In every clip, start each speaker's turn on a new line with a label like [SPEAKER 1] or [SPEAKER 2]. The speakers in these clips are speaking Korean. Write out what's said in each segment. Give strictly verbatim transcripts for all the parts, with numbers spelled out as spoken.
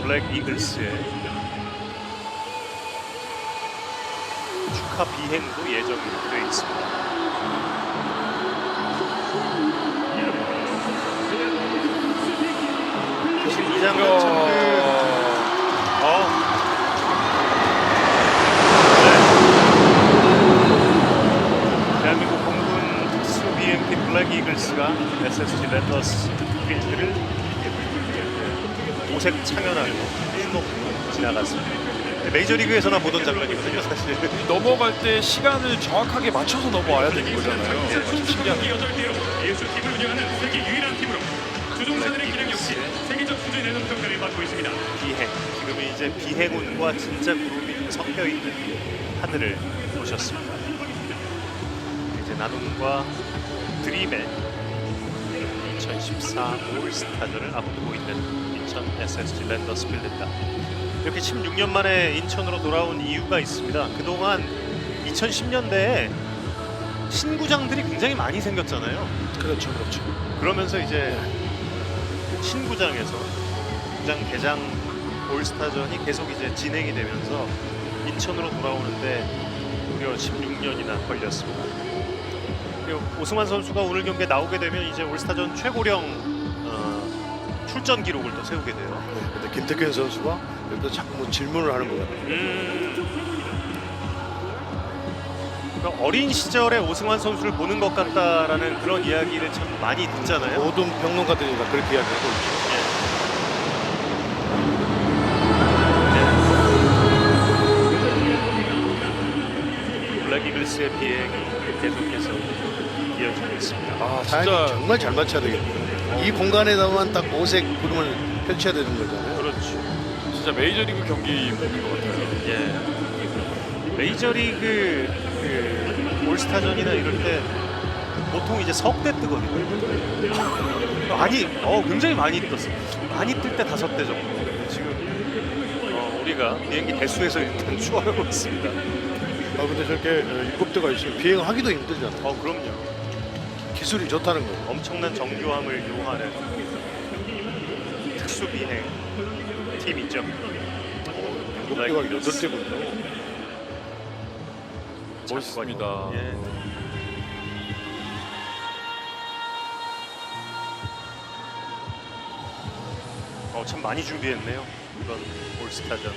[SPEAKER 1] 블랙 이글스의 축하 비행도 예정이 되어 있습니다. 사실 이 장면 참 그, 어, 네. 대한민국 공군 특수 비행기 블랙 이글스가 에스에스지 랜더스 필드를 오색 창연하고 수놓고 지나갔습니다. 메이저리그에서나 보던 장면이거든요, 사실.
[SPEAKER 2] 넘어갈 때 시간을 정확하게 맞춰서 넘어와야 되는 거잖아요. 참 신기하네요.
[SPEAKER 3] 예수 팀을 운영하는 세계 유일한 팀으로 주종사들의 기량 역시 세계적 수준의 내놓은 평가를 받고 있습니다.
[SPEAKER 1] 비행, 지금은 이제 비행운과 진짜 구름이 섞여 있는 하늘을 보셨습니다. 이제 나눔과 드림의 이천십사 올스타전을 앞두고 있는 인천 에스에스지 랜더스 필드입니다. 이렇게 십육 년 만에 인천으로 돌아온 이유가 있습니다. 그동안 이천십 년대에 신구장들이 굉장히 많이 생겼잖아요.
[SPEAKER 2] 그렇죠, 그렇죠.
[SPEAKER 1] 그러면서 이제 신구장에서 구장 개장 올스타전이 계속 이제 진행이 되면서 인천으로 돌아오는데 무려 십육 년이나 걸렸습니다. 그리고 오승환 선수가 오늘 경기에 나오게 되면 이제 올스타전 최고령 어, 출전 기록을 또 세우게 돼요.
[SPEAKER 4] 근데 김태균 선수가 여기서 자꾸 뭐 질문을 하는 것 같아요.
[SPEAKER 1] 음, 그러니까 어린 시절에 오승환 선수를 보는 것 같다라는 그런 이야기를 참 많이 듣잖아요.
[SPEAKER 4] 모든 평론가들이 다 그렇게 이야기하고 있죠.
[SPEAKER 1] 블랙 이글스의 비행이 계속해서 이어지고 있습니다.
[SPEAKER 2] 아,
[SPEAKER 4] 타이밍
[SPEAKER 2] 진짜
[SPEAKER 4] 정말 잘 맞춰야 되겠네요. 이 공간에다만 딱 오색 구름을 펼쳐야 되는 거잖아요.
[SPEAKER 1] 그렇죠.
[SPEAKER 2] 진짜 메이저리그 경기 보는 것 같아요.
[SPEAKER 1] 예. 메이저리그 그 올스타전이나 이럴 때 보통 이제 석 대 뜨거든요. 많이, 어 굉장히 많이 떴어. 많이 뜰 때 다섯 대 정도. 지금 어, 우리가 비행기 대수에서 일단 추월하고 있습니다.
[SPEAKER 4] 아 근데 저렇게 어, 일곱 대가 있으면 비행하기도 힘들잖아요.
[SPEAKER 1] 어 그럼요.
[SPEAKER 4] 기술이 좋다는 거예요.
[SPEAKER 1] 엄청난 정교함을 요하는 특수 비행 팀이죠.
[SPEAKER 4] 일곱 대가 여덟 대군요.
[SPEAKER 2] 멋있습니다.
[SPEAKER 1] 예. 어, 참 많이 준비했네요. 이번 올스타전.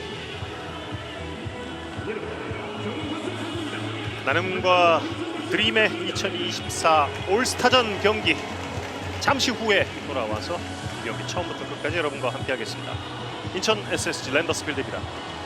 [SPEAKER 1] 나눔과 드림의 이천이십사 올스타전 경기 잠시 후에 돌아와서 경기 처음부터 끝까지 여러분과 함께하겠습니다. 인천 에스에스지 랜더스 필드입니다.